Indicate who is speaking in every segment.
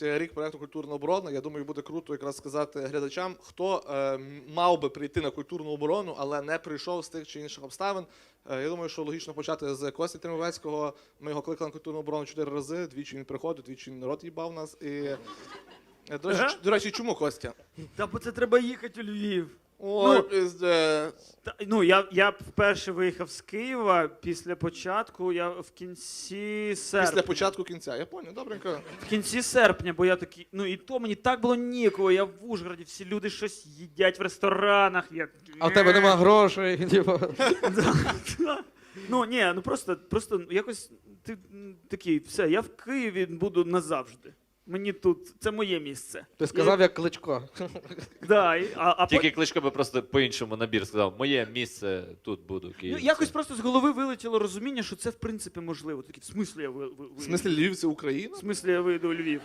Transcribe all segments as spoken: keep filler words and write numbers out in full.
Speaker 1: рік проєкту «Культурна оборона». Я думаю, буде круто якраз сказати глядачам, хто е, мав би прийти на культурну оборону, але не прийшов з тих чи інших обставин. Е, я думаю, що логічно почати з Кості Тримовецького. Ми його кликали на культурну оборону чотири рази, двічі він приходив, двічі він рот їбав нас. І... Е, До речі, ч- до речі, чому Костя?
Speaker 2: Та бо це треба їхати у Львів.
Speaker 1: Ой,
Speaker 2: Ну,
Speaker 1: пізде.
Speaker 2: Та, ну, я, я вперше виїхав з Києва після початку, я в кінці серпня.
Speaker 1: Після початку кінця. Я поняв, добренько.
Speaker 2: В кінці серпня, бо я такий, ну і то мені так було ніяково, я в Ужгороді, всі люди щось їдять в ресторанах. Я...
Speaker 3: А в тебе нема грошей. типу.
Speaker 2: Да, да. Ну, ні, ну просто, просто якось ти м, такий, все, я в Києві буду назавжди. Мені тут, це моє місце.
Speaker 3: Ти сказав, як Кличко.
Speaker 2: Да, і- а, а
Speaker 4: Тільки
Speaker 2: по-
Speaker 4: Кличко би просто по-іншому набір сказав. Моє місце тут буду,
Speaker 2: ну,
Speaker 4: Київ.
Speaker 2: якось просто з голови вилетіло розуміння, що це в принципі можливо. Такі, в смислі я ви, ви,
Speaker 1: В смислі Львів – це Україна?
Speaker 2: В смислі я вийду у Львів.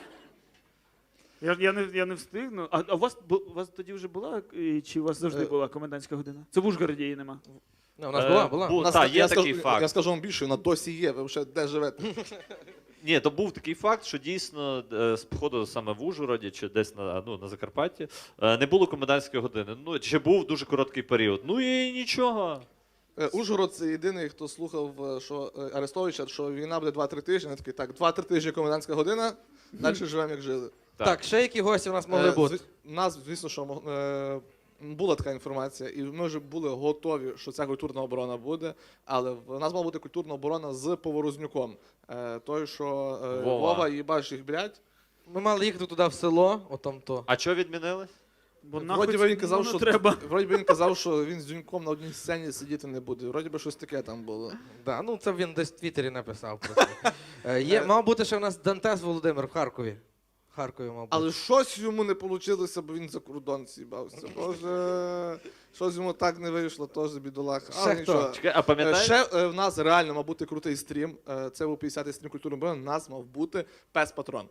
Speaker 2: Я, я, не, я не встигну. А, а у, вас, бу- у вас тоді вже була, і чи у вас завжди
Speaker 1: Е.
Speaker 2: була комендантська година? Це в Ужгороді її нема.
Speaker 3: Ну, у нас
Speaker 4: Е,
Speaker 3: була, була.
Speaker 4: бу-
Speaker 1: У нас
Speaker 4: та,
Speaker 1: так-
Speaker 4: є
Speaker 1: я
Speaker 4: такий
Speaker 1: скажу,
Speaker 4: факт.
Speaker 1: Я скажу вам більше, вона досі є. Ви вже де живете?
Speaker 4: Ні, то був такий факт, що дійсно е, з походу саме в Ужгороді чи десь на, ну, на Закарпатті е, не було комендантської години. Ну, чи був дуже короткий період. Ну і нічого.
Speaker 1: Е, Ужгород – це єдиний, хто слухав, е, що е, Арестовича, що війна буде два-три тижні. Вони такі, так, два-три тижні комендантська година, далі живемо, як жили.
Speaker 3: Так, ще які гості у нас могли
Speaker 1: Е,
Speaker 3: бути?
Speaker 1: зв- У нас, звісно, що мог- е, була така інформація, і ми вже були готові, що ця культурна оборона буде, але в нас мала бути культурна оборона з Поворознюком. Е, Той, що е,
Speaker 4: Вова.
Speaker 1: Вова їбаш їх, блядь.
Speaker 3: Ми мали їхати туди в село, отам то.
Speaker 4: А що відмінили?
Speaker 2: Бо
Speaker 1: Вроді би
Speaker 2: нахуй
Speaker 1: він казав,
Speaker 2: воно
Speaker 1: що
Speaker 2: треба.
Speaker 1: вроді би він казав, що він з Дзюньком на одній сцені сидіти не буде. Вроді би щось таке там було.
Speaker 3: Да, ну це він десь в Твіттері написав просто. Е, Є, мав бути ще у нас Дантес Володимир в Харкові. В Харкові мав бути.
Speaker 1: Але щось йому не вийшло, бо він за кордон з'їбався. Боже, щось йому так не вийшло, теж бідолаха.
Speaker 3: Ще
Speaker 1: Але
Speaker 3: хто?
Speaker 1: нічого.
Speaker 4: Чекай, а
Speaker 1: Е,
Speaker 4: пам'ятаєш?
Speaker 1: Ще е, в нас реально мав бути крутий стрім. Е, Це був п'ятдесятий стрім культурної оборони. У нас мав бути пес-патрон.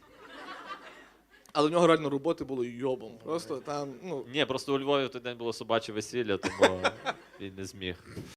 Speaker 1: Але в нього реально роботи було йобом. Просто там, ну,
Speaker 4: Ні, просто у Львові в той день було собаче весілля, тому він не зміг.